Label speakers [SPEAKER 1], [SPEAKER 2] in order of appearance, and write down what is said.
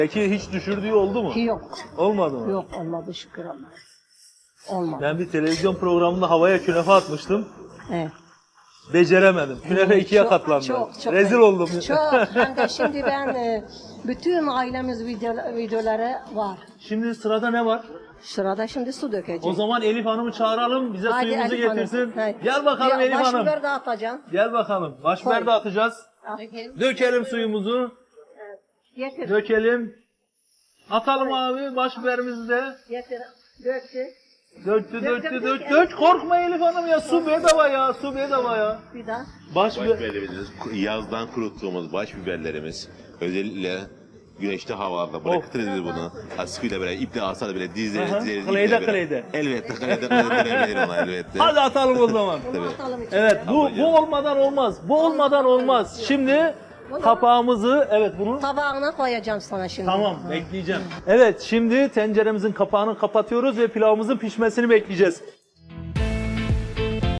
[SPEAKER 1] Peki hiç düşürdüğü oldu mu?
[SPEAKER 2] Yok.
[SPEAKER 1] Olmadı mı?
[SPEAKER 2] Yok olmadı şükür Allah'a. Olmadı.
[SPEAKER 1] Ben bir televizyon programında havaya künefe atmıştım.
[SPEAKER 2] Evet.
[SPEAKER 1] Beceremedim. Künefe ikiye
[SPEAKER 2] Çok,
[SPEAKER 1] katlandı.
[SPEAKER 2] çok
[SPEAKER 1] Rezil
[SPEAKER 2] ayıp.
[SPEAKER 1] oldum.
[SPEAKER 2] Çok. Hem de şimdi ben bütün ailemiz videoları var.
[SPEAKER 1] Şimdi sırada ne var?
[SPEAKER 2] Sırada şimdi su dökeceğim.
[SPEAKER 1] O zaman Elif Hanım'ı çağıralım. Bize
[SPEAKER 2] Hadi
[SPEAKER 1] suyumuzu
[SPEAKER 2] Elif Hanım.
[SPEAKER 1] getirsin.
[SPEAKER 2] Hayır.
[SPEAKER 1] Gel bakalım
[SPEAKER 2] Ya,
[SPEAKER 1] Elif Hanım.
[SPEAKER 2] başbiber dağıtacağım.
[SPEAKER 1] Gel bakalım. Başbiber
[SPEAKER 2] Koy.
[SPEAKER 1] de atacağız. Dökelim suyumuzu.
[SPEAKER 2] Getir.
[SPEAKER 1] Dökelim. Atalım abi başbiberimizi de.
[SPEAKER 2] Getir. Döktü.
[SPEAKER 1] Döktü,
[SPEAKER 2] Dök,
[SPEAKER 1] döktü,
[SPEAKER 2] dök,
[SPEAKER 1] dök,
[SPEAKER 2] dök.
[SPEAKER 1] dök. Korkma Elif Hanım ya. Su bedava ya. Su bedava ya.
[SPEAKER 2] Bir daha.
[SPEAKER 1] Başbiber.
[SPEAKER 3] Başbiberlerimiz, yazdan kuruttuğumuz baş biberlerimiz özellikle güneşte havalarda bırakırız biz bunu. Askıyla böyle iple asarız böyle
[SPEAKER 1] Aha,
[SPEAKER 3] dizleriz.
[SPEAKER 1] kleyde,
[SPEAKER 3] iple böyle.
[SPEAKER 1] kleyde.
[SPEAKER 3] Elbette kleyde verebilir ona elbette.
[SPEAKER 1] Hadi atalım o zaman.
[SPEAKER 2] Bunu atalım içine.
[SPEAKER 1] Evet bu olmadan olmaz. Bu olmadan olmaz. Şimdi kapağımızı bunu
[SPEAKER 2] Tabağına koyacağım sana şimdi.
[SPEAKER 1] tamam bekleyeceğim. Evet şimdi tenceremizin kapağını kapatıyoruz ve pilavımızın pişmesini bekleyeceğiz.